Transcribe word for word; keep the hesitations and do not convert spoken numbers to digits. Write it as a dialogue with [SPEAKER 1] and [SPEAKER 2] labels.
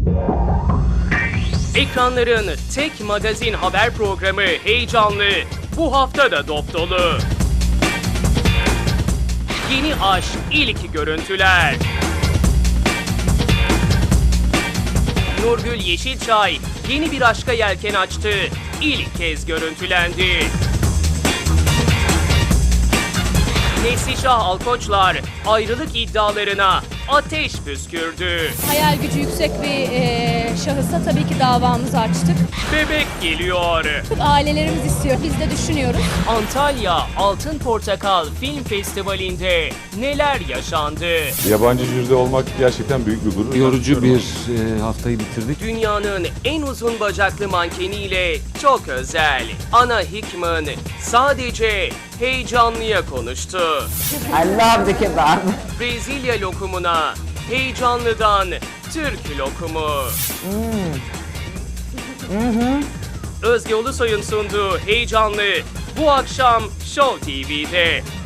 [SPEAKER 1] Ekranların tek magazin haber programı Heyecanlı bu hafta da dop dolu. Yeni aşk, ilk görüntüler. Nurgül Yeşilçay yeni bir aşka yelken açtı. İlk kez görüntülendi. Neslişah Alkoçlar ayrılık iddialarına ateş püskürdü.
[SPEAKER 2] Hayal gücü yüksek bir e, şahısa tabii ki davamızı açtık.
[SPEAKER 1] Bebek geliyor.
[SPEAKER 2] Ailelerimiz istiyor, biz de düşünüyoruz.
[SPEAKER 1] Antalya Altın Portakal Film Festivali'nde neler yaşandı?
[SPEAKER 3] Yabancı jüride olmak gerçekten büyük bir gurur.
[SPEAKER 4] Yorucu bir e, haftayı bitirdik.
[SPEAKER 1] Dünyanın en uzun bacaklı mankeniyle çok özel. Ana Hickman sadece heyecanlıya konuştu.
[SPEAKER 5] I love the kebab.
[SPEAKER 1] Brezilya lokumuna heyecanlıdan Türk lokumu. Özge Ulusoy'un sunduğu Heyecanlı bu akşam Show T V'de.